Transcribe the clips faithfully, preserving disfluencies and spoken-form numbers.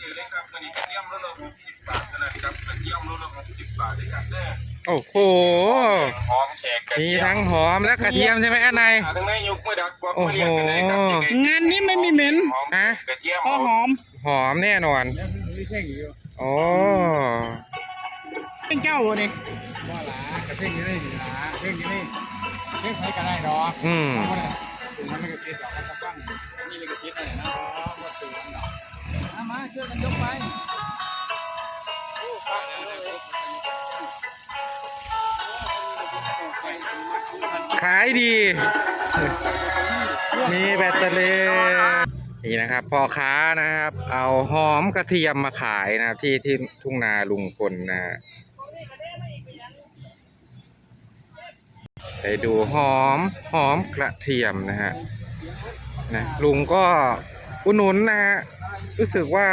ซื้อเลยครับวันนี้กระเทียมโลละหกสิบบาทเท่านั้นครับกระเทียมโลละหกสิบบาทด้วยกันเด้อโอ้โหหอมแขกกระมีเทียมทั้งหอมและกระเทียมใช่ไหมอันไหนทั้งในยกมือดักบอกโอ้มาโหเรียกกันเลยครับงานนี้ไม่มีเหม็นฮะกระเทียมพอหอมหอมแน่นอนโอ้เป็นเจ้าวันนี้ว่าหลากระเพ่งยี่นี่หลาเพ่งยี่นี่เพ่งใช้กันได้ดอกอืมเพราะว่าถึงมันไม่กระเทียมดอกมันจะฟังนี่เลยกระเทียมอะไรนะว่าถึงมันดอกมาช่วยกันยกไปขายดี มีแบตเตอรี่นี่นะครับพ่อค้านะครับ เอาหอมกระเทียมมาขายนะครับที่ที่ทุ่งนาลุงพลนะฮะไปดูหอมหอมกระเทียมนะฮะนะลุงก็อุดหนุนนะฮะรู้สึกว่า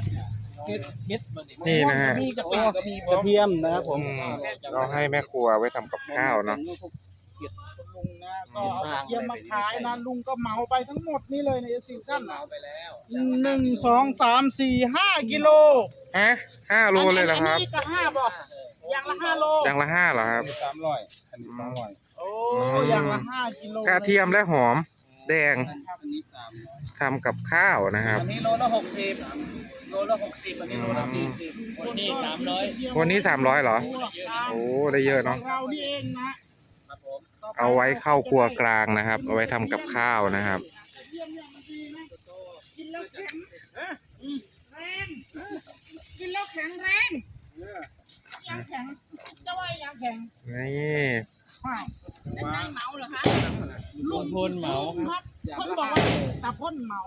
นี่นะฮะมีกะปิก็มีกระเทียมนะครับผมอืมเราให้แม่ครัวไว้ทำกับข้าวเนาะลุงนะก็เอากระเทียมมาขายนะลุงก็เหมาไปทั้งหมดนี่เลยในซีซั่นเหมาไปแล้วหนึ่งสองสามสี่ห้ากิโลฮะห้าโลเลยเหรอครับอันนี้ก็ห้าบอกอย่างละห้าโลอย่างละห้าเหรอครับสามร้อยอันนี้สองร้อยโอ้อย่างละห้ากิโลกระเทียมและหอมแดงอันนี้สามร้อยทำกับข้าวนะครับอันนี้โลละหกสิบโลละหกสิบอันนี้โลละสี่สิบวันนี้สามร้อยวันนี้สามร้อยเหรอ โอ้ได้เยอะเนาะเรานี่เองนะเอาไว้เข้าครัวกลางนะครับ เอาไว้ทำกับข้าวนะครับกินแล้วแข็งแรงกินแล้วแข็งแรงยังแข็งจะว่ายังแข็งนี่ไม่เมาเหรอคะลุงพลเมาครับเพิ่นบอกว่าตาพ่นเมา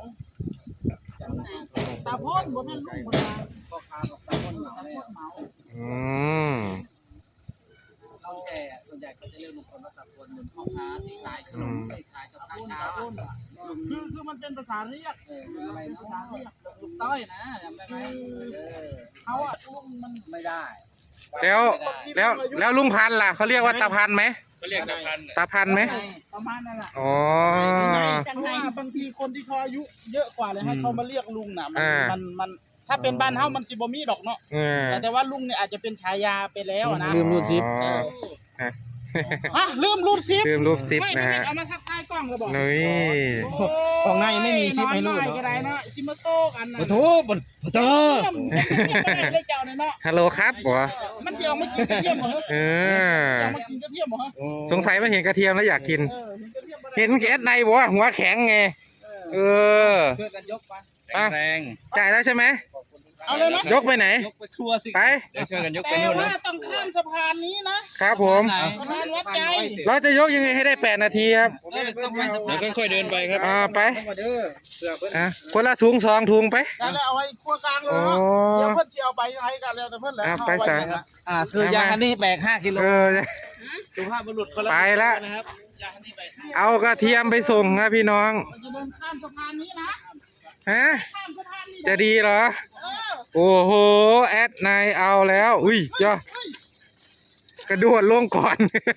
ตาพ่นบ่แม่นลุงคนละพ่อค้าบอกตาพ่นเมาตาพ่นเมาอืมเราแก่ส่วนใหญ่ก็จะเรียกลุงพลว่าตะพลเหมือนพ่อค้าที่ขายขนมที่ขายกับข้าวเช้าอ่ะคือคือมันเป็นภาษาเรียกเอออะไรนะภาษาเรียกลุงต้อยนะจำได้ไหมเออเขาอ่ะลุงมันไม่ได้แล้วแล้วแล้วลุงพันธุ์ล่ะเขาเรียกว่าตาพันธุ์ไหมก็เรียกตะพันตาพันธุ์ไหมประมาณนั่นแหละอ๋อเพราะว่าบางทีคนที่เขาอายุเยอะกว่าเลยให้เขามาเรียกลุงน่ะมันอ่ามัมันมันถ้าเป็นบ้านเฮามันสิบ่มีดอกเนาะเออแต่แต่ว่าลุงเนี่ยอาจจะเป็นฉายาไปแล้วอะนะลืมรูดซิปฮะลืมรูดซิปลืมรูดซิปไม่นะไม่ฮะเอามาทักทายกล้องก็บอกนี่ของในไม่มีซิปให้รูดก็ได้เนาะซิมาโซกันนะโอ้โหบนโอ้โหเทียมเทียมไม่ได้เจ้าเนี่ยเนาะฮัลโหลครับบัวมันสิเอามากินกระเทียมเหรอเออเอามากินกระเทียมเหรอสงสัยมาเห็นกระเทียมแล้วอยากกินเออเห็นกระเทียมบ่ได้เห็นแก๊สในบัวหัวแข็งไง เออช่วยกันยกไปอ่ะแรงจ่ายแล้วใช่ไหมเอาเลยไหมยกไปไหนยกไปทัวสิไปเดี๋ยวช่วยกันยกไปแต่นู่นว่านะต้องข้ามสะพานนี้นะครับผมสะพานวัดใจเราจะยกยังไงให้ได้แปดนาทีครับเออต้องไปสะพาเดี๋ยนวค่อยๆเดินไปครับอ่าไปมาเด้อเสือเพิ่นอ่ะคนละถุงสองถุงไปแล้วเอาไว้ครัวกลางเลยโอ้เนาะเดี๋ยวเพิ่นสิเอาไปให้กันแล้วแต่เพิ่นแหละอ่ะเอาไปว้ซะนะอ่าคือยางอันนี้แบกห้ากิโลเออสุภาพบุรุษคนละไปละนะครับยางอันนี้แบกห้าเอากระเทียมไปส่งนะพี่น้องเราจะเดินข้ามสะพานนี้นะฮะข้ามสะพานนี้นจะดีเหรอเออโอ้โห แอดนายเอาแล้ว อุ้ยย่อเฮ้ยกระโดดลงก่อน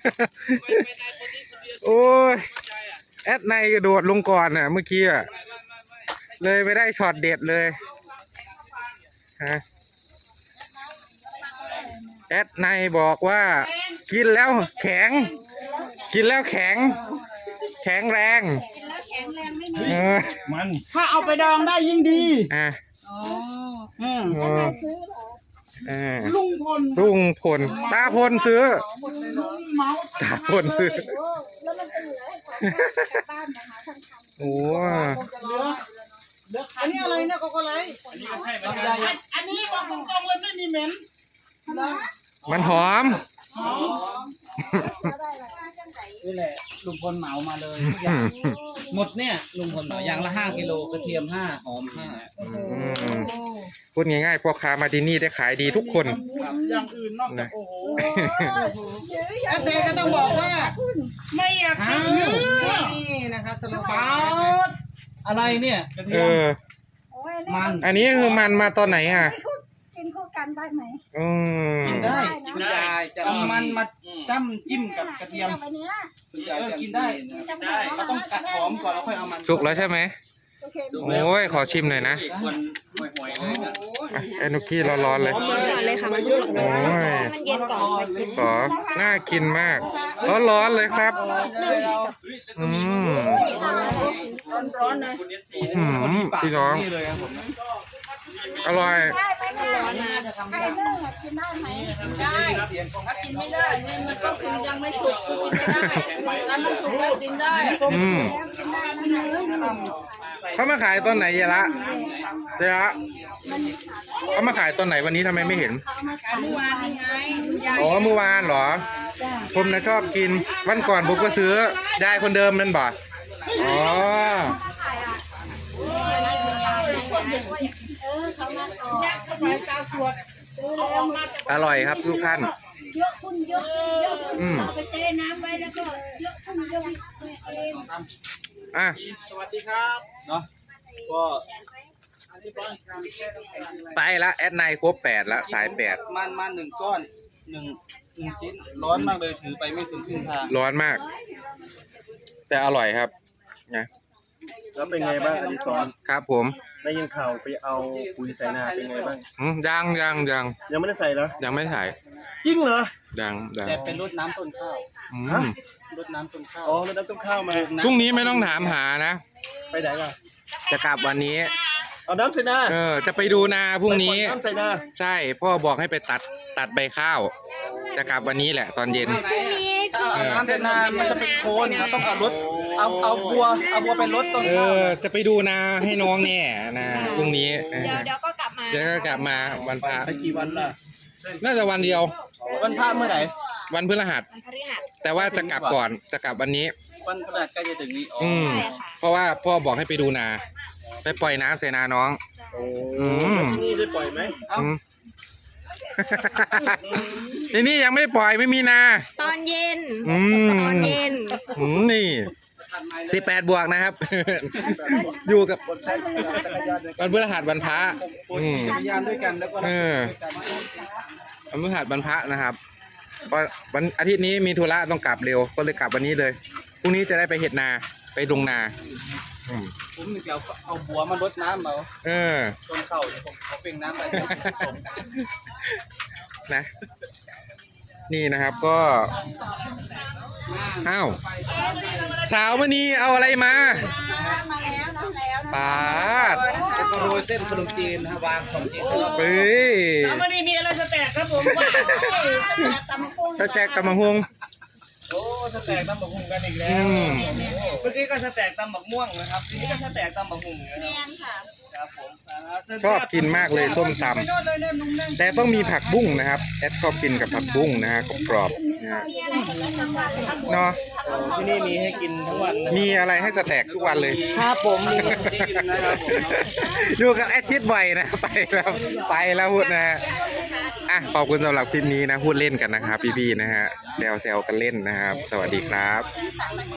โอ้ย แอดนายกระโดดลงก่อนน่ะเมื่อกี้อ่ะ เลยไม่ได้ช็อตเด็ดเลยฮะแอดนายบอกว่า กินแล้วแข็ง กินแล้วแข็ง แข็งแรงเออมันถ้าเอาไปดองได้ยิ่งดีอ่ะอืมเออเออลุงพลลุงพลตาพลซื้อลุงเมาตาพลซื้อแล้วมันจะเหลือให้ของกลับบ้านนะคะทั้งคันโอ้เหลือเหลือคัอันนี้อะไรเนี่ยโกโก้ไลท์อันอันนี้บอกตรงๆเลยไม่มีเหม็นมันหอมก็ได้เลยจังไหนนี่แหละลุงพลเหมามาเลยทุกอย่างหมดเนี่ยลุงพลเหมาอย่างละห้ากิโลกระเทียมห้าหอมห้าพูดง่ายๆพ่อค้ามาที่นี่ได้ขายดีทุกคนอย่างอื่นนอกจากโอ้โหแต่ก็ต้องบอกว่าไม่อยากกินเนื้อนี่นะคะสโลปบาาร์ดอะไรเนี่ยเออโอ้ยมันอันนี้คือมันมาตอนไหนอ่ะกินคู่กันได้ไหมอืมกินได้นะคุณยายจะเอามันมาจ้ำจิ้มกับกระเทียมไปเนื้อคุณยายจะกินได้ได้เราต้องกัดหอมก่อนแล้วค่อยเอามันสุกแล้วใช่ไหมสุกเค็มโอ้ยขอชิมหน่อยนะคนห่วยๆเลยนะอ่ะไอ้นุกกี้ร้อนๆเลยก่อนเลยค่ะมันโอ้ยมันเย็นก่อนค่อยกินขอน่ากินมากร้อนๆเลยครับอืมร้อนๆเลยอืมพี่น้องนี่เลยครับผมนะอร่อยได้ไหมร้อนนะไข่นึ่งกินได้ไหมได้ถ้ากินไม่ได้เนี่ยมันก็คือยังไม่สุกคือกินไม่ได้ถ้ามันสุกแล้วกินได้อืมกินได้นะเนื้อเขามาขายตอนไหนเยละเยละเขามาขายตอนไหนวันนี้ทำไมไม่เห็นเมื่อวานยังไงคุณยายอ๋อเมื่อวานเหรอ ผมนะชอบกิน วันก่อนผมก็ซื้อยายคนเดิมนั่นบ่อ๋อเออเขามาก่อนทำไมตาสวดเอาออกมาจากอร่อยครับทุกท่านเยอะคุณเยอะเยอะอืมเอาไปเทน้ำไว้แล้วก็เยอะคุณเยอะเองอ่ะสวัสดีครับเนาะก็ไปละแอดไนครบแปดละสายแปดมันมันหนึ่งก้อนหนึ่งหนึ่งชิ้นร้อนมากเลยถือไปไม่ถึงครึ่งทางร้อนมาก แต่อร่อยครับนะแล้วเป็นไงบ้างอดิศรครับผมได้ยินข่าวไปเอาปุ๋ยใส่นาเป็นไงบ้างอืมยังยังยังยังไม่ได้ใส่เหรอยังไม่ถ่ายจริงเหรอยังยังแต่เป็นรดน้ำต้นข้าวอืฮะมรดน้ำต้นข้าวอ๋อแล้วน้ำต้มข้าวมาพรุ่งนี้ไม่ต้องถามหานะไปไหนล่ะจะกลับวันนี้เอาน้ำใส่นาเออ จะไปดูนาพรุ่งนี้ไปปล่อยน้ำใส่นาใช่ พ่อบอกให้ไปตัดตัดใบข้าว จะกลับวันนี้แหละ ตอนเย็น เออน้ำเสนามันจะเป็นโคนนะต้องเอารถเอาเอาบัวเอาบัวไปรดต้นเอข้าวอ จะไปดูนาให้น้องแน่นะพรุ่งนี้เออเดี๋ยวเดี๋ยวก็กลับมาเดี๋ยวก็กลับมาวันพระไปกี่วันล่ะน่าจะวันเดียววันพระเมื่อไหร่วันพฤหัสวันพฤหัสแต่ว่าจะกลับก่อน จะกลับวันนี้วันพฤหัสใกล้จะถึงนี้อ๋ออืมใช่ค่ะเพราะว่าพ่อบอกให้ไปดูนา ไปปล่อยน้ำใส่นาน้องโอ้อืมแล้วที่นี่ได้ปล่อยไหมอืม ทีนี่ยังไม่ปล่อยไม่มีนาตอนเย็นอืมตอนเย็นอืมนี่สิบแปดบวกนะครับ อยู่กับคนใช้จักรยานในวันพฤหัสวันพระคนอืมขี่จักรยานด้วยกันแล้วก็เออ วันพฤหัสวันพระนะครับเพราะวันอาทิตย์นี้มีธุระต้องกลับเร็ว ก็เลยกลับวันนี้เลย พรุ่งนี้จะได้ไปเห็ดนา ไปลงนา อืมผมเดี๋ยวเอาบัวมารดน้ำเอาเออต้นข้าวเดี๋ยวผมขอเป่งน้ำไปผมนะ นี่นะครับก็อ้าวสาวมณีเอาอะไรมามาแล้วนะแล้วนะปาดแล้วก็โรยเส้นขนมจีนนะฮะวางขนมจีนให้เราเฮ้ยวันนี้มีอะไรจะแตกครับผมว่าตำกุ้งถ้าแจกกำมะฮวงโอ้สแต็กตำบักหุ่งกันอีกแล้อืวมเมื่อกี้ก็สแต็กตำบักม่วงนะครับทีนี้ก็สแต็กตำบักหุ่งนะแมนค่ะครับผมอ่าเชิญชอบกินมากเลยส้มตำแต่ต้องมีผักบุ้งนะครับแอดชอบกินกับผักบุ้งนะฮะกรอบๆนะฮะมีอะไรให้กินทั้งวันเลยครับเนาะที่นี่มีให้กินทั้งวันนะมีอะไรให้สแต็กทุกวันเลยครับผมมีที่กินนะครับผมอยู่กับแอดชิดบ่อยนะ ไปแล้วไปแล้วพูดนะฮะอ่ะขอบคุณสำหรับคลิปนี้นะพูดเล่นกันนะครับพี่ๆนะฮะแซวๆกันเล่นนะครับ สวัสดีครับ